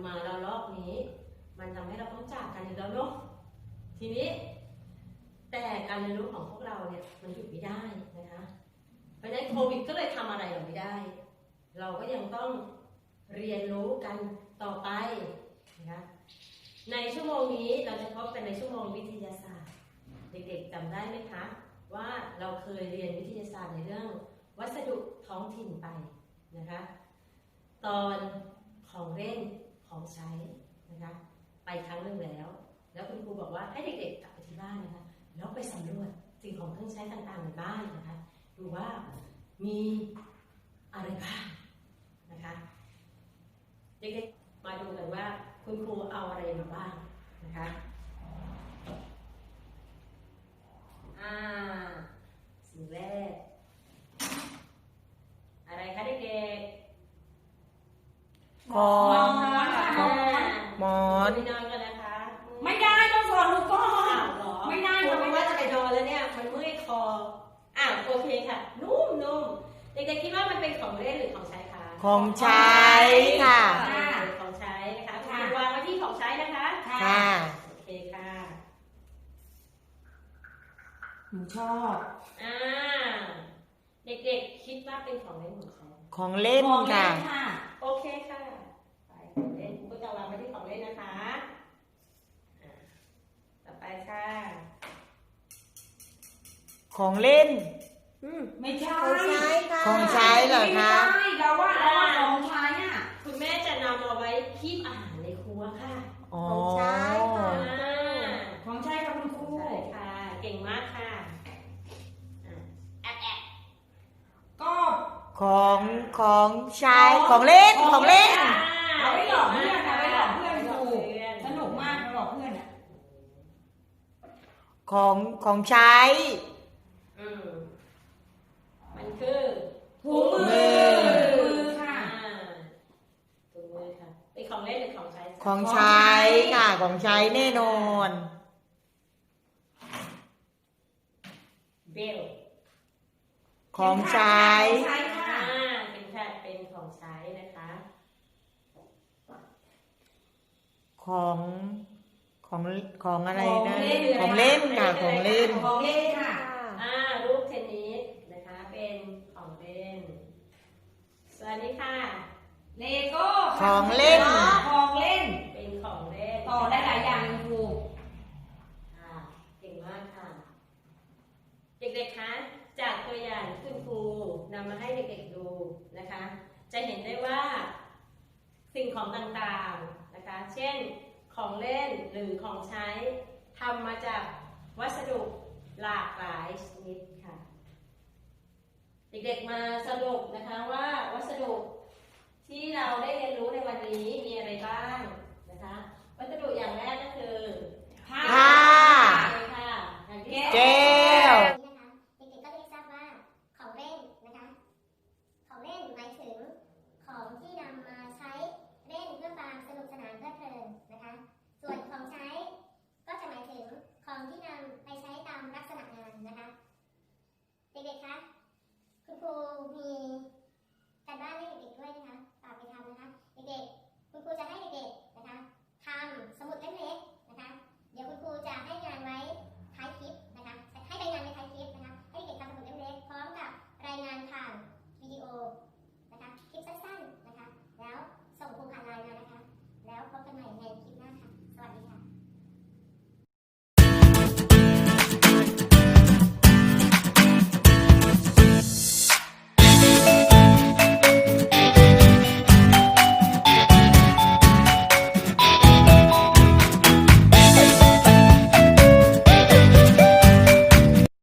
มาเรารอบนี้มันทำให้เราต้องจากกันอีกแล้วเนาะทีนี้แต่การเรียนรู้ของพวกเราเนี่ยมันหยุดไม่ได้นะคะเพราะฉะนั้นโควิดก็เลยทำอะไรเราไม่ได้เราก็ยังต้องเรียนรู้กันต่อไปนะคะในชั่วโมงนี้เราจะพบกันในชั่วโมงวิทยาศาสตร์เด็กๆจำได้ไหมคะว่าเราเคยเรียนวิทยาศาสตร์ในเรื่องวัสดุท้องถิ่นไปนะคะตอนของเล่นของใช้นะคะไปครั้งหนึ่งแล้วคุณครูบอกว่าให้เด็กๆกลับไปที่บ้านนะคะแล้วไปสำรวจสิ่งของเครื่องใช้ต่างๆในบ้านนะคะดูว่ามีอะไรบ้างนะคะเด็กๆมาดูกันว่าคุณครูเอาอะไรมาบ้างนะคะสิ่งแรกอะไรคะเด็กๆหมอนหมอนไม่นอนกันนะคะไม่ได้ต้องสอนหนูก่อนหรอไม่ได้เพราะว่าจะไปนอนแล้วเนี่ยมันเมื่อยคอโอเคค่ะนุ่มเด็กๆคิดว่ามันเป็นของเล่นหรือของใช้คะของใช้ค่ะของใช้นะคะคุณวางไว้ที่ของใช้นะคะค่ะโอเคค่ะหนูชอบเด็กๆคิดว่าเป็นของเล่นของใช้ของเล่นของเล่ค่ะนค่ะโอเคค่ะไปของเล่นคุณก็จะวางไว้ที่ของเล่นนะคะต่อไปค่ะของเล่นไม่ใช่ของใช้ค่ะของใช้เหรอคะไม่ใช่เราว่าของใช้อ่ะคุณแม่จะนำมาไว้คีบอาหารในครัวค่ะอ๋อของใช้ค่ะของใช้ค่ะคุณครูใช่ค่ะเก่งมากค่ะแอบก็ของใช้ของเล่นของเล่นเอาไว้หลอกเพื่อนเอาไว้หลอกเพื่อนครูสนุกมากหลอกเพื่อนอ่ะของใช้มันคือถุงมือค่ะถุงมือค่ะเป็นของเล่นหรือของใช้ของใช้ค่ะของใช้แน่นอนเบลของใช้ใช้ค่ะเป็นของใช้นะคะของอะไรนะของเล่นค่ะของเล่นของเล่นค่ะรูปเทนนิสนะคะเป็นของเล่นสวัสดีค่ะเลโก้ของเล่นของเล่นเป็นของเล่นต่อได้หลายอย่างเลยครูเก่งมากค่ะเด็กๆคะจากตัวอย่างที่คุณครูนำมาให้เด็กๆดูนะคะจะเห็นได้ว่าสิ่งของต่างๆนะคะเช่นของเล่นหรือของใช้ทำมาจากวัสดุหลากหลายชนิดค่ะเด็กๆมาสรุปนะคะว่าวัสดุที่เราได้เรียนรู้ในวันนี้มีอะไรบ้าง